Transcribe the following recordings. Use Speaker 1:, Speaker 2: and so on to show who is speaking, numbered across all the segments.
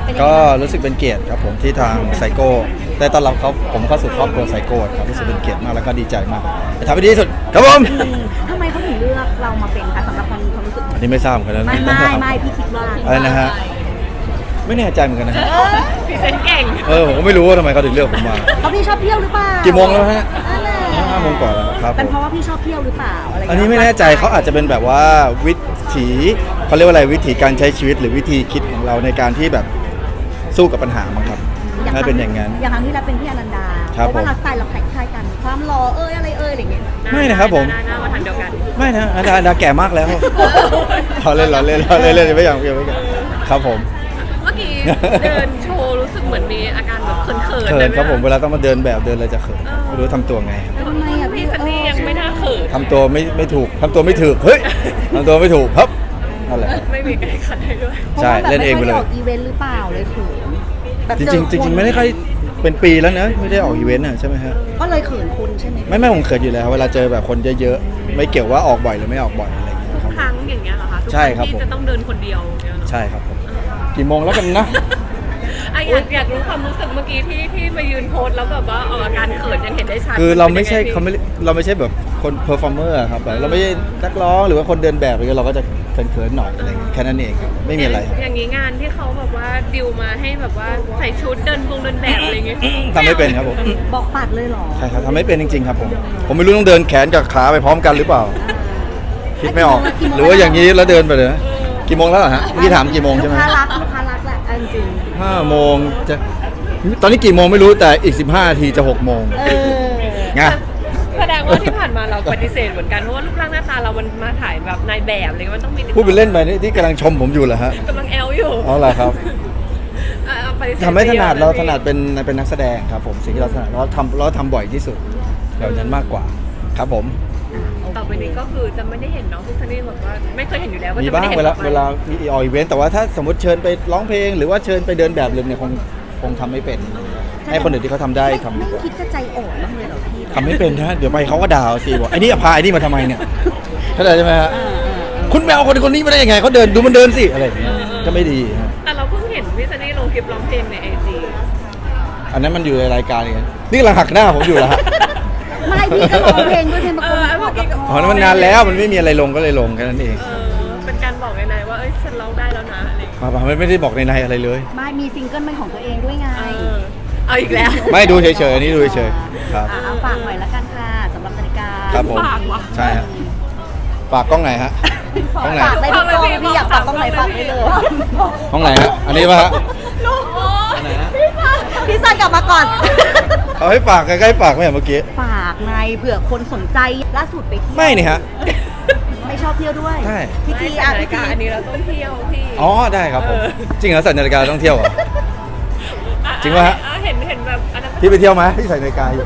Speaker 1: ก็รู้สึกเป็นเกียรติครับผมที่ทางไซโก้ได้ต้อนรับผมเข้าสู่ครอบครัวไซโก้ครับรู้สึกเป็นเกียรติมากแล้วก็ดีใจมากจะทำให้ดีที่สุดครับผม
Speaker 2: ทำไมเขาถึงเลือกเรามาเป็นคะสำหรับความรู้สึก
Speaker 1: อันนี้ไม่ทราบเหมือนกันนะ
Speaker 2: ไม่พี่คิดว่า
Speaker 1: อะไรนะฮะไม่แน่ใจเหมือนกันนะฮะ
Speaker 3: พรีเซนต์เก่ง
Speaker 1: ผมก็ไม่รู้ว่าทำไมเขาถึงเลือกผมมา
Speaker 2: เพราะพี่ชอบเที่ยวหรือเปล่า
Speaker 1: กี่โมงแล้วฮะ
Speaker 2: นั่นแหละ
Speaker 1: 5 โมงกว่าแล้วครับ
Speaker 2: เป็นเพราะว่าพี่ชอบเที่ยวหรือเปล่าอะไร
Speaker 1: อันนี้ไม่แน่ใจเขาอาจจะเป็นแบบว่าวิถีเขาเรียกว่าอะไรวิถีการใช้ชีวิตหรือวิธีคิดของเราในการที่แบบสู้กับปัญหามั้งครับน่าเป็นอย่างนั้น
Speaker 2: อย่างครั้งที่เราเป็นพี่อนันดา
Speaker 1: ครับ
Speaker 2: เพราะว่าเราสไตล์เราคล้ายๆกันความหล่ออะไรอะไรอย่างเงี้ย
Speaker 1: ไม่นะครับผม
Speaker 3: หน้ามาทางเดียวกัน
Speaker 1: ไม่นะดาแก่มากแล้วเราเล่นไม่อย่างครับผม
Speaker 3: เมื่อกี้เดินโชว์รู้สึกเหมือนมีอาการแบบเขินๆ
Speaker 1: เขิ
Speaker 3: ได้
Speaker 1: น
Speaker 3: ไหม
Speaker 1: ครับผมเวลาต้องมาเดินแบบเดินอะไรจะเขินไม่รู้ทำตัวไง
Speaker 2: ทำไมอ่ะ
Speaker 3: พี่ซันนี่ยังไม่น่าเขิน
Speaker 1: ทำตัวไม่ถูกทำตัวไม่ถูกเฮ้ยทำตัวไม่ถูกครับนั่นแหละ
Speaker 3: ไม่มีใครขัดให้ด้วย
Speaker 1: ใช่เล่นเองไปเลย
Speaker 2: พราะว่าแบบม่ค่อด้ออกอีเวนต์หรือเปล่าเลยเขินแบบ
Speaker 1: จ
Speaker 2: เอ
Speaker 1: ริงๆ
Speaker 2: คน
Speaker 1: ไม่ได้ค่อยเป็นปีแล้วนะไม่ได้ออกอีเวนต์ใช่ไหมฮะ
Speaker 2: ก็เลยเขินคุณใช่ไหม
Speaker 1: ไม่ผมเขินอยู่แล้วเวลาเจอแบบคนเยอะๆไม่เกี่ยวว่าออกบ่อยหรือไม่ออกบ่อยอะไรอย่างเงี้ย
Speaker 3: ทุก
Speaker 1: ครับ
Speaker 3: ครั้งอย่างเงี้ยเหรอคะทุก
Speaker 1: ใช่ครับ
Speaker 3: ที่
Speaker 1: ผม
Speaker 3: จะต้องเดินคนเดียวเนี่ยเหรอ
Speaker 1: ใช่ครับผมกี่โมงแล้วกันนะ
Speaker 3: อยากรู้ความรู้สึกเมื่อกี้ที่มายืนโพสแล้วแบบว่าออกอาการเขินยังเห็นได้ชัด
Speaker 1: คือเราไม่ใช่
Speaker 3: ป็นยังงพี่
Speaker 1: เราไม่ใช่แบบคนเพอร์ฟอร์เมอร์ครับแบบเราไม่ใช่นักร้องหรือว่าคนเดินแบบอะไรเงี้ยเราก็จะเขินๆหน่อยอะไรเงี้ยแค่นั้นเองครับไม่มีอะไรครับ
Speaker 3: อย่างนี้งานที่เขาแบบว่าดิวมาให้แบบว่าใส่ชุดเดินแบบอะไรอย่างเงี้ย
Speaker 1: ทำไม่เป็นครับผม
Speaker 2: บอกปัดเลยเหรอ
Speaker 1: ใช่ครับทำไม่เป็นจริงๆครับผมไม่รู้ต้องเดินแขนกับขาไปพร้อมกันหรือเปล่า คิดไม่ออก หรือว่าอย่างนี้แล้วเดินไปเลยนะกี่โมงแล้วเหรอฮะเมื่อกี้ถามกี่โมงใช่ไหม
Speaker 2: ลูกค้ารักแหละเอาจริง
Speaker 1: 5 โมงจะตอนนี้กี่โมงไม่รู้แต่อีก15 นาทีจะ6 โมง
Speaker 2: เออ
Speaker 1: ไง
Speaker 3: แสดงว่าที่ผ่านมาเราปฏิเสธเหมือนกันเพราะว่ารูปร่างหน้าตาเรามันมาถ่ายแบบนายแบบอะไรเงี้ยมันต้องมีติดต่อ
Speaker 1: พูดไปเล่นไปนี่ที่กำลังชมผมอยู่เหรอฮะ
Speaker 3: กำลังแอลอยู่
Speaker 1: อ๋อเหรอครับ
Speaker 3: ปฏิเสธ
Speaker 1: ทำไม่ถนัด
Speaker 3: ปยอะ
Speaker 1: เรา
Speaker 3: ลย
Speaker 1: ถนัดเป็นนักแสดงครับผมสิ่งที่เราถนัดเราทำบ่อยที่สุดแบบนั้นมากกว่าครับผม
Speaker 3: ต่อไปนี้ก็คือจะไม่ได้เห็นน้องพิซซี่แบบว่าไม่เคยเห็นอยู่แล้วก็
Speaker 1: มี
Speaker 3: จะไม่
Speaker 1: บ้าง
Speaker 3: ได้เห็น
Speaker 1: เวลา
Speaker 3: ต่อไป
Speaker 1: เวลามีออกอีเวนต์แต่ว่าถ้าสมมติเชิญไปร้องเพลง หรือว่าเชิญไปเดินแบบเลยเนี่ยคงทำไม่เป็น ให้คนอื่นที่เขาทำได้ทำดี
Speaker 2: ไม่
Speaker 1: กว่า
Speaker 2: คิดจะใจอ่อนบ้างเลยเหรอพี่
Speaker 1: ทำไม่เป็นนะเดี๋ยวไปเขาก็ด่าเอาสิบอกไอ้นี่พาไอ้นี่มาทำไมเนี่ยเข้าใจใช่ไหมฮะคุณแมวคนนี้มาได้ยังไงเขาเดินดูมันเดินสิอะไรอย่างเงี้ยก็ไม่ดีฮะ
Speaker 3: แต่เราเพิ่งเห็นพิซซี่ลงคลิปร้องเพลงในไอจี
Speaker 1: อันนั้นมันอยู่ในรายการเองนี่กำลังหักหน้าผมอยู่แล้วฮะ
Speaker 2: ไม่พี่ก็ร้องเพลงด้วยเพลงประกอบกับ
Speaker 1: อ๋อนั้นมันนานแล้วมันไม่มีอะไรลงก็เลยลงแค่นั้นเอง
Speaker 3: เป็นการบอกในๆว่าเอ้ยฉันร้องได้แล้วนะอะไรอย่างเงี้ย
Speaker 1: ไม่ได้บอกในอะไรเลย
Speaker 2: ไม่มีซิงเกิลเป็นของตัวเองด้วยไง
Speaker 3: เอาอีกแล้ว
Speaker 1: ไม่ดูเฉยๆอันนี้ดูเฉยๆครับ
Speaker 2: เอาฝากหน่อยละกันค่ะสำหรับนาฬิกา
Speaker 1: ครับผม
Speaker 3: ฝากวะ
Speaker 1: ใช่ฮะฝากกล้องไหนฮะกล้องไหน
Speaker 2: ฝากได้ทุกกล้องพี่อยากฝากกล้องไหนฝากได้เลย
Speaker 1: ห้องไหนฮะอันนี้ป่ะฮะ
Speaker 3: ลูก
Speaker 1: อันไหนฮะ
Speaker 2: พี่ซันกลับมาก่อน
Speaker 1: เขาให้ฝากใกล้ๆฝากไหมเมื่อกี้
Speaker 2: ฝากไงเผื่อคนสนใจล่าสุดไปเที่ยว
Speaker 1: ไม่นี่ฮะ
Speaker 2: ไม่ชอบเที่ยวด้วย
Speaker 1: ใช่
Speaker 2: พี่
Speaker 3: ที่
Speaker 2: ที
Speaker 3: ที่
Speaker 2: อ่ะ
Speaker 3: นาฬิ
Speaker 2: พี่ที
Speaker 3: กาอันนี้เราต้องเที่ยวพี่
Speaker 1: อ๋อได้ครับผมจริงเหรอใส่นาฬิกาต้องเที่ยวเหรอ จริงปะฮะ
Speaker 3: เห็นแบบอันนั้น
Speaker 1: พี่ไปเที่ยวไหมพี่ใส่นาฬิกาอยู่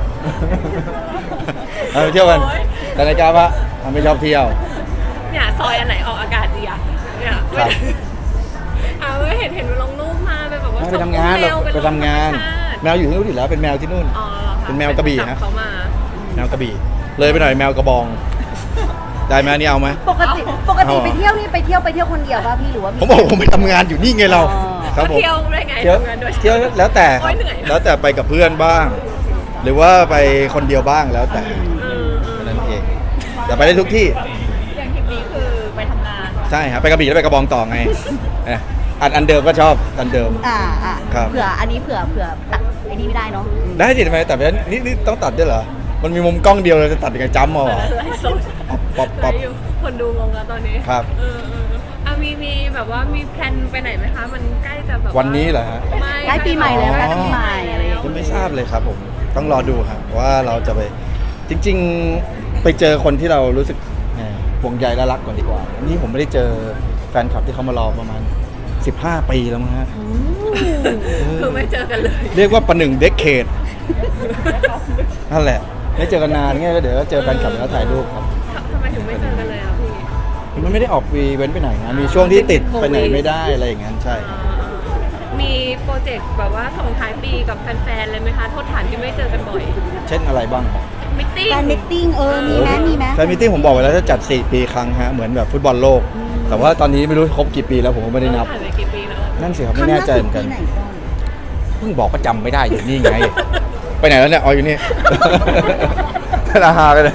Speaker 1: ไปเที่ยวกันใส่นาฬิกาปะไม่ชอบเที่ยว
Speaker 3: เนี่ยซอยอันไหนออกอากาศดีอะเนี่ย
Speaker 1: ครับ
Speaker 3: เห็นลงรูปมาไปแบบว่า
Speaker 1: ไปทำงาน
Speaker 3: ชม
Speaker 1: ไปทำงาน แมวอยู่ที่นู่นอยู่แล้วเป็นแมวที่นู่น
Speaker 3: อ๋อหรอคะ
Speaker 1: เป็นแมวกระบี่
Speaker 3: จั
Speaker 1: ฮะ
Speaker 3: เขามา
Speaker 1: แมวกระบี่เลยไปหน่อยแมวกระบอง ได้ไหมอันนี่เอาไหม
Speaker 2: ปกติไปเที่ยวนี่ไปเที่ยวคนเดียวป่ะพี่หรือว่า
Speaker 1: ผมบอกผมไปทำงานอยู่นี่ไงเรา
Speaker 2: อ๋อ
Speaker 1: ครับผม
Speaker 3: เที่ยวได้ไง
Speaker 1: เที่ยว
Speaker 3: ทำงานด้วย
Speaker 1: เที่ยวแล้วแต่ค
Speaker 3: โอ๊
Speaker 1: รับ
Speaker 3: ยเหนื่อย
Speaker 1: แล้วแต่ไปกับเพื่อนบ้าง หรือว่าไปคนเดียวบ้างแล้วแต่นั่นเองแต่ไปได้ทุกที่
Speaker 3: อย่างทริปนี้คือไปทำงาน
Speaker 1: ใช่ครับไปกระบี่แล้วไปกระบองต่อไงอันเดิมก็ชอบอันเดิม ครับ
Speaker 2: เผื่ออันนี้เผื่อตัดไอ้นี่ไม่ได้เนาะ
Speaker 1: ได้สิทำไมแต่นี่ต้องตัดด้วยเหรอมันมีมุมกล้องเดียวเลยจะตัดยังไงจ้ำมาเหรอ
Speaker 3: ไลฟ์สด
Speaker 1: ป๊อป
Speaker 3: ไลฟ์อยู่คนดูงงแล้วตอนนี้
Speaker 1: ครับ
Speaker 3: มีแบบว่ามีแพลนไปไหนไหมคะ มันใกล้จะแบบา
Speaker 1: วันนี้เหรอฮะ
Speaker 3: ไม่
Speaker 2: ใกล้ปีใหม่แล้ว
Speaker 1: อ๋อ
Speaker 2: ใกล้ปีใหม่อะไรอย่าง
Speaker 1: ยัง
Speaker 2: เงี้ย
Speaker 1: ไม่ทราบเลยครับผมต้องรอดูครับว่าเราจะไปจริง ๆ ไปเจอคนที่เรารู้สึกห่วงใยและรักก่อนดีกว่านี่ผมไม่ได้เจอแฟนคลับที่เขามารอประมาณ15 ปีแล้วมั้งฮะ
Speaker 3: คือไม่เจอกันเลย
Speaker 1: เรียกว่าประหนึ่งเด็กเขตนั่นแหละไม่เจอกันนานไงก็เดี๋ยวก็เจอแฟนคลับแล้วถ่ายรูปครับ
Speaker 3: ทำไมถึงไม่เจอกันเลยอ่ะพี่
Speaker 1: มันไม่ได้ออกวีเว้นไปไหนนะมีช่วงที่ติดไปไหนไม่ได้อะไรอย่างนั้นใช่ครับ
Speaker 3: มีโปรเจกต์แบบว่าส่งท้ายปีกับแฟนๆเลยไหมคะโทษฐานที่ไม่เจอกันบ่อย
Speaker 1: เช่นอะไรบ้างครับ
Speaker 3: มิทติ้ง
Speaker 2: การมิทติ้งมีไหม
Speaker 1: แฟนมิทติ้งผมบอกไว้แล้วจะจัด4 ปีครั้งฮะเหมือนแบบฟุตบอลโลก แต่ว่าตอนนี้ไม่รู้ครบกี่ปีแล้วผมก็ไม่ได้นับ
Speaker 3: ผ่านไปกี่ปีแล้ว
Speaker 1: นั่นสิครับไม่แน่ใจเหมือนกัน
Speaker 2: ครั้งล่าสุดที่ไหนก่อน
Speaker 1: เพิ่งบอกว่าจำไม่ได้อยู่นี่ไง ไปไหนแล้วเนี่ยอ๋ออยู่นี่ ราฮาไปเลย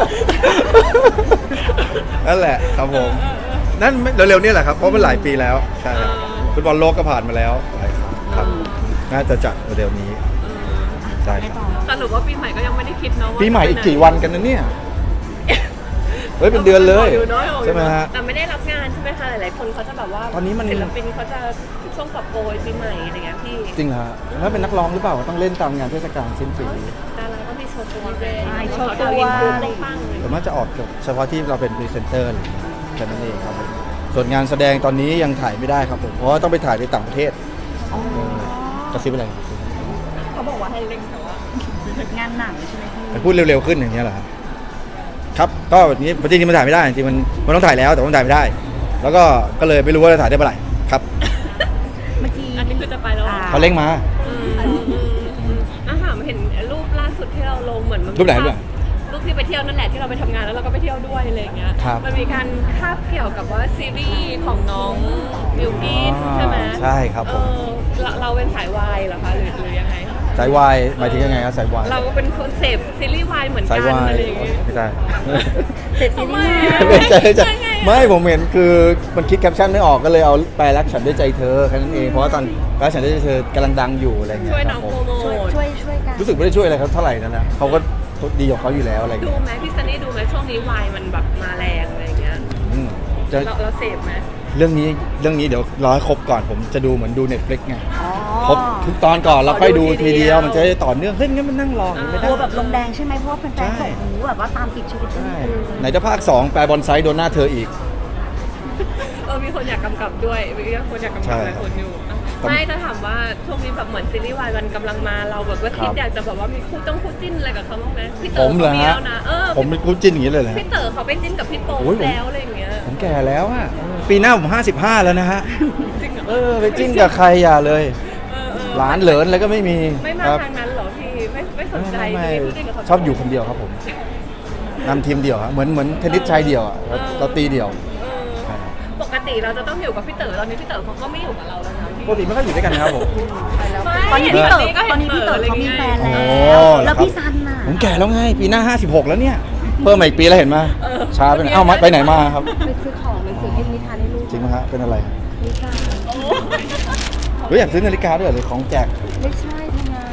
Speaker 1: นั่นแหละครับผมนั่นเร็วๆนี่แหละครับเพราะมันหลายปีแล้วใช่ครับฟุตบอลโลกก็ผ่านมาแล้วหลายครั้งครับน่าจะจัดเร็วๆนี้ใช่ครับ
Speaker 3: สรุปว่าปีใหม่ก็ยังไม่ได้คิดเนาะว่า
Speaker 1: ปีใหม่อีกกี่วันกันนะเนี่ยเฮ้ยเป็นเดือนเลยใช่ไหมฮะ
Speaker 3: แต่ไม่ได้รับงานใช่ไหมคะหลายๆคนเขาจะแบบว่า
Speaker 1: ตอนนี้มัน
Speaker 3: ศิลปินเขาจะช่วงกอบโกยปีใหม่อะไรเงี้ยพี่
Speaker 1: จริงเหรอฮะถ้าเป็นนักร้องหรือเปล่าต้องเล่นตามงานเทศกาลสิ้นปี
Speaker 3: ดาราก็มีโชว์ตัวเลย
Speaker 2: ใช่โชว์
Speaker 3: เขา
Speaker 2: ตัว
Speaker 3: ดาวอินฟูปังๆเลย
Speaker 1: แต่ว่าจะออกเฉพาะที่เราเป็นพรีเซนเตอร์อะไรอย่างเงี้ยแค่นั้นเองครับผมส่วนงานแสดงตอนนี้ยังถ่ายไม่ได้ครับผมเพราะว่าต้องไปถ่ายในต่างประเทศ
Speaker 2: อ๋อก
Speaker 1: ระซิบอะไร
Speaker 3: เขาบอกว่าให้เล่นแต่ว่า
Speaker 2: งานหนังใช่ไหมพี่
Speaker 1: ไปพูดเร็วๆขึ้นอย่างเงี้ยเหรอครับครับก็แบบนี้จริงๆมันถ่ายไม่ได้จริงๆมันต้องถ่ายแล้วแต่ว่ามันถ่ายไม่ได้ แล้วก็เลยไม่รู้ว่าจะถ่ายได้เมื่อไหร่ครับ
Speaker 2: เมื่อกี้
Speaker 3: อันนี้คือจะไปแล้วเหรอ
Speaker 1: เขาเร่งมา
Speaker 3: อาหารเห็นรูปล่าสุดที่เราลงเหมือนมัน
Speaker 1: รูปไหนรูปไหน
Speaker 3: รูปที่ไปเที่ยวนั่นแหละที่เราไปทำงานแล้วเราก็ไปเที่ยวด้วยอะไรอย่างเงี้ย
Speaker 1: ครับ
Speaker 3: มันมีการคาบเกี่ยวกับว่าซีรีส์ของน้องบิวกิ้นใช่ไหม
Speaker 1: ใช่ครับผม
Speaker 3: เราเป็นสายวายเหรอคะหรือยังไง
Speaker 1: สายวายหมายถึงยังไงครับสายวาย
Speaker 3: เราก็เป็นคนเสพซีรีส์วายเหมือน
Speaker 1: สา
Speaker 3: กั
Speaker 1: ย
Speaker 3: น
Speaker 1: วาย
Speaker 3: อะไรอย่างเงี้ย
Speaker 1: ไม่ได้
Speaker 2: เสร็จซีรีส์
Speaker 1: ไม่ใช่ไม่ใช่
Speaker 3: ไงอะ
Speaker 1: ไม่ผมเห็นคือมันคิดแคปชั่นไม่ออกก็เลยเอาแปลรักฉันด้วยใจเธอแค่นั้นเองเพราะว่าตอนรักฉันด้วยใจเธอกำลังดังอยู่อะไรเงี้ย
Speaker 3: ช่วย
Speaker 1: ค
Speaker 3: น้
Speaker 1: รั
Speaker 3: อบ ง
Speaker 1: ผ
Speaker 3: โป
Speaker 1: ม
Speaker 3: รโมท
Speaker 2: ช่วยกัน
Speaker 1: รู้สึกไม่ได้ช่วยอะไรเขาเท่าไหร่นั่นแหละเขาก็ดีของเขาอยู่แล้วอะไร
Speaker 3: ดู
Speaker 1: เงี้ย
Speaker 3: ไหมพี่ซันนี่ดูไหมช่วงนี้วายมันแบบมาแรงอะไรอย่างเงี้ย
Speaker 1: อืมจะ
Speaker 3: เราเสพไหม
Speaker 1: เรื่องนี้เดี๋ยวรอให้ครบก่อนผมจะดูเหมือนดู Netflix ไง
Speaker 2: อ๋อ
Speaker 1: ครบทุกตอนก่อนแล้วค่อยดู
Speaker 3: ขอดูที
Speaker 1: ที
Speaker 3: เดี
Speaker 1: เดี
Speaker 3: ย
Speaker 1: ยว วมันจะได้ต่อเนื่องเฮ้ยงั้นมันนั่งรออย่างนี้ไม่
Speaker 2: ก
Speaker 1: ได้
Speaker 2: ลัวแบบลงแดงใช่ไหมเพราะว่าแฟน
Speaker 1: ใช่
Speaker 2: ๆส่งหูแบบว่าตามติดชีวิต
Speaker 1: ใช่
Speaker 2: คือ
Speaker 1: ไหนจะภาค 2 แปลบอลไซด์โดนหน้าเธออีก
Speaker 3: มีคนอยากกำกับด้วยมีคนอยากกำ
Speaker 1: ใช่
Speaker 3: กับหลายคนอยู่
Speaker 1: ครับ
Speaker 3: ไม่ถ้าถามว่าช่วงนี้แบบเหมือนซีรีส์วายมันกำลังมาเราแบบว่าคิด
Speaker 1: ครับ
Speaker 3: อยากจะแบบว่ามีคู่จิ้นอะไรกับเขาบ้างไหมพี่
Speaker 1: ผ
Speaker 3: เต๋อ
Speaker 1: มเหรอ
Speaker 3: เขามี
Speaker 1: ฮะ
Speaker 3: แล้วนะ
Speaker 1: ผมเป็นคู่จิ้นอย่างนี้เลยเหรอฮะ
Speaker 3: พี่เต๋อเขาไปจิ้นกับพี่โป๊ป
Speaker 1: โอ้ยผม
Speaker 3: แล้วอะไรอย่างเงี้ย
Speaker 1: ผมแก่แล้วอะปีหน้าผม55แล้วนะฮะ
Speaker 3: จริงเหรอ
Speaker 1: ไปจิ้นกับใครอย่าเลย
Speaker 3: เออ
Speaker 1: หลานเหลินอะไรก็ไม่มี
Speaker 3: ไม่มา
Speaker 1: ครับ
Speaker 3: ทางนั้นเหรอพี่ไม่สนใจ
Speaker 1: ไม่
Speaker 3: จะมีคู่จิ้นกับเขา
Speaker 1: ชอบอยู่คนเดียวครับผมนำทีมเดี่ยวฮะเหมือนเทนนิสชายเดี่ยวอะเราตีเดี่ยว
Speaker 3: เออปกติเราจะต้องอยู่กับพี่เต๋อตอนนี้พี่เต๋อเขาก็ไม่อยู่กับเราแล้วนะพี่
Speaker 1: ปกติไม่ค่อยอยู่ด้วยกันนะครับผม
Speaker 2: ตอนนี้พี่เต๋อ
Speaker 3: ก็
Speaker 2: ตอนนี้พี่เต๋อเขามีแฟน
Speaker 1: โอ้
Speaker 2: แล้วแล้วพี่ซันน่ะ
Speaker 1: ผมแก่แล้วไงปีหน้า56แล้วเนี่ยเพิ่มมาอีกปีแล้วเห็นไหมช้าไปหน่อยเอ้าไปไหนมาครับ
Speaker 2: ไปซื้อของหนังสือพิมพ์นิทานให้ลูก
Speaker 1: จริงไหมฮะเป็นอะไร
Speaker 2: ไม่ใช่
Speaker 1: เฮ้ยอยากซื้อนาฬิกาด้วยเหรอหรือของแจก
Speaker 2: ไม่ใช่ทำงาน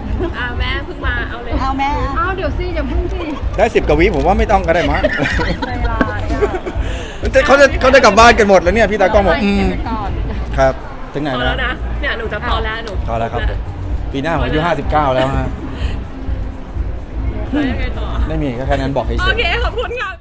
Speaker 3: แม่เพิ่งมาเอาเลย
Speaker 2: เอาแม่เอาเดี๋ยวสิอย่าพึ่งสิ
Speaker 1: ได้10กว่าวิผมว่าไม่ต้องก็ได้มั้ง
Speaker 2: ใจร้ายอ่ะ
Speaker 1: เขาจะกลับบ้านกันหมดแล้วเนี่ยพี่ตากล้องบอกครับถึงไหน
Speaker 3: พอแล้ว
Speaker 1: นะ
Speaker 3: นะเนี่ยหนูจะพอแล้วหนู
Speaker 1: พอแล้วครับผมปีหน้าผมอายุ59แล้วฮะ
Speaker 3: แล้วยังไงต่อ
Speaker 1: ไม่มีก็แค่นั้นบอกเฉย
Speaker 3: โอ
Speaker 1: ๆ
Speaker 3: เคขอบคุณค่ะ